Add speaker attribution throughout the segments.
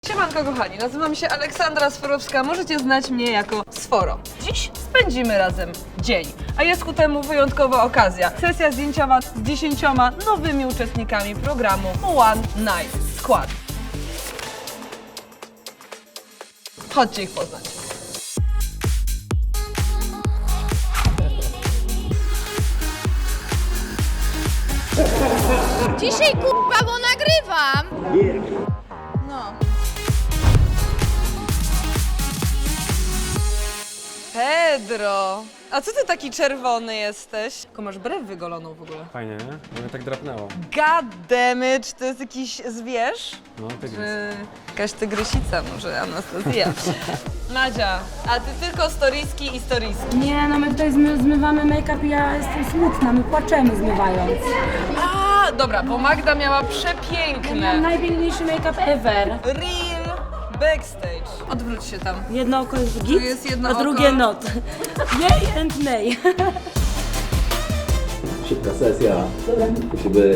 Speaker 1: Siemanko kochani, nazywam się Aleksandra Sforowska, możecie znać mnie jako Sforo. Dziś spędzimy razem dzień, a jest ku temu wyjątkowa okazja. Sesja zdjęciowa z 10 nowymi uczestnikami programu One Night Squad. Chodźcie ich poznać.
Speaker 2: Dzisiaj kurwa, bo nagrywam! No.
Speaker 1: Pedro! A co ty taki czerwony jesteś? Tylko masz brew wygoloną w ogóle.
Speaker 3: Fajnie, nie? Mnie tak drapnęło.
Speaker 1: God damn it, czy to jest jakiś zwierz?
Speaker 3: No, tygrys.
Speaker 1: Czy jakaś tygrysica, może Anastazja? Madzia, a ty tylko storiski i storiski.
Speaker 4: Nie, no my tutaj zmywamy make-up i ja jestem smutna, my płaczemy zmywając.
Speaker 1: A, dobra, bo Magda miała
Speaker 4: Mam
Speaker 1: przepiękne
Speaker 4: najpiękniejszy make-up ever.
Speaker 1: real backstage. Odwróć się tam.
Speaker 4: Jedno oko jest git,
Speaker 1: jest jedno
Speaker 4: a
Speaker 1: oko.
Speaker 4: drugie not. Yay and nay.
Speaker 5: Szybka sesja. Musi być.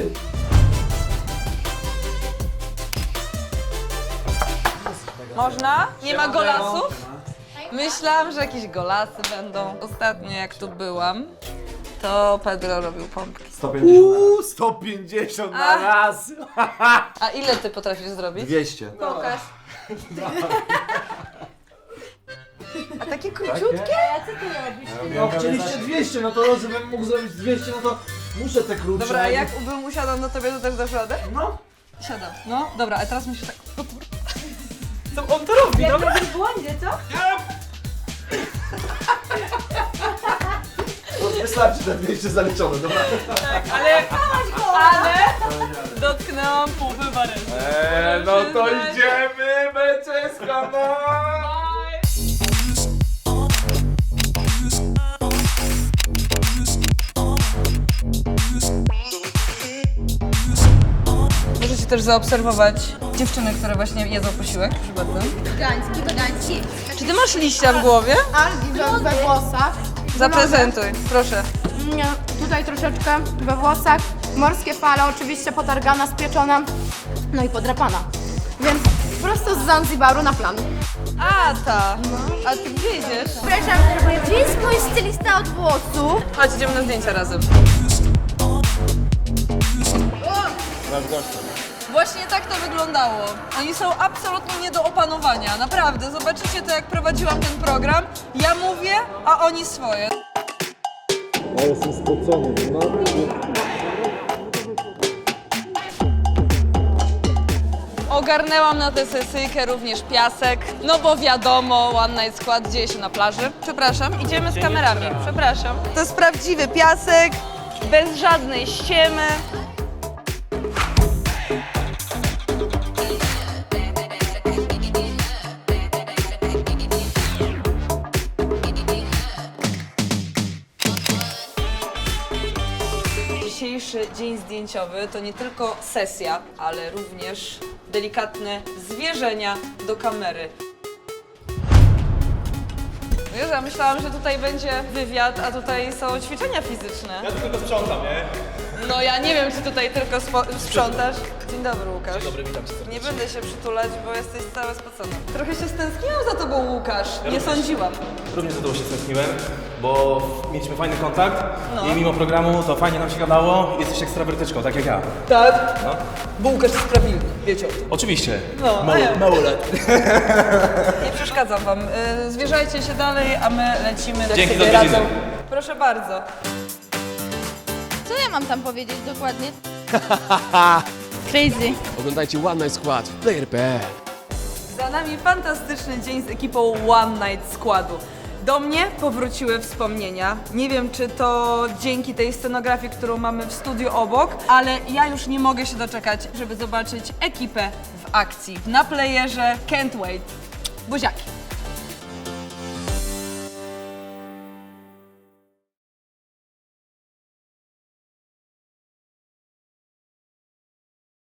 Speaker 1: Można? Nie ma golasów? Myślałam, że jakieś golasy będą. Ostatnio jak tu byłam, to Pedro robił pompki.
Speaker 6: 150 na raz!
Speaker 1: A ile ty potrafisz zrobić?
Speaker 6: 200.
Speaker 1: Pokaż. A takie króciutkie?
Speaker 6: No chcieliście 200, no to żebym mógł zrobić 200, no to muszę te krótsze.
Speaker 1: Dobra, a jak bym usiadał na tobie, to też dasz radę?
Speaker 6: No.
Speaker 1: Siadam. No, dobra, a teraz musisz tak... Co on to robi, dobra?
Speaker 4: W błędzie, co?
Speaker 6: Wystarczy te 200 zaliczone, dobra?
Speaker 1: Ale dotknęłam półwy barezy.
Speaker 6: No to idziemy, beczeska, no!
Speaker 1: Możecie też zaobserwować dziewczyny, które właśnie jedzą posiłek, proszę bardzo.
Speaker 2: Wegański.
Speaker 1: Czy ty masz liścia w głowie?
Speaker 2: Algi we włosach.
Speaker 1: Zaprezentuj, proszę.
Speaker 2: Nie, tutaj troszeczkę we włosach. Morskie fale, oczywiście potargana, spieczona, no i podrapana. Więc prosto z Zanzibaru na plan.
Speaker 1: A ta! A ty gdzie idziesz?
Speaker 2: Przepraszam, gdzie jest mój stylista od włosów?
Speaker 1: Chodź, idziemy na zdjęcia razem. Właśnie tak to wyglądało. Oni są absolutnie nie do opanowania, naprawdę. Zobaczycie to, jak prowadziłam ten program. Ja mówię, a oni swoje.
Speaker 5: Ja jestem spocony, no.
Speaker 1: Ogarnęłam na tę sesyjkę również piasek, no bo wiadomo, One Night Squad dzieje się na plaży. Przepraszam, idziemy z kamerami, przepraszam. To jest prawdziwy piasek, bez żadnej ściemy. Dzisiejszy dzień zdjęciowy to nie tylko sesja, ale również delikatne zwierzenia do kamery. Wiesz, ja myślałam, że tutaj będzie wywiad, a tutaj są ćwiczenia fizyczne.
Speaker 7: Ja tu tylko sprzątam, nie?
Speaker 1: No ja nie wiem, czy tutaj tylko sprzątasz. Dzień dobry, Łukasz. Dzień
Speaker 7: Dobry, witam cię serdecznie.
Speaker 1: Nie będę się przytulać, bo jesteś cały spocony. Trochę się stęskniłam za tobą, Łukasz. Nie sądziłam.
Speaker 7: Również za tobą się stęskniłem, bo mieliśmy fajny kontakt
Speaker 1: No.
Speaker 7: i mimo programu to fajnie nam się gadało. Jesteś ekstrawertyczką, tak jak ja.
Speaker 1: Tak?
Speaker 7: No.
Speaker 1: Bo Łukasz jest prawilny, wiecie o tym.
Speaker 7: Oczywiście.
Speaker 1: No, a ja-
Speaker 7: Małolet.
Speaker 1: Nie przeszkadzam wam. Zwierzajcie się dalej, a my lecimy do
Speaker 7: Dzięki,
Speaker 1: siebie
Speaker 7: do odwiedziny.
Speaker 1: razem. Proszę bardzo.
Speaker 2: Co ja mam tam powiedzieć dokładnie? Crazy.
Speaker 8: Oglądajcie One Night Squad, player.pl.
Speaker 1: Za nami fantastyczny dzień z ekipą One Night Składu. Do mnie powróciły wspomnienia. Nie wiem, czy to dzięki tej scenografii, którą mamy w studiu obok, ale ja już nie mogę się doczekać, żeby zobaczyć ekipę w akcji. Na playerze, can't wait. Buziaki.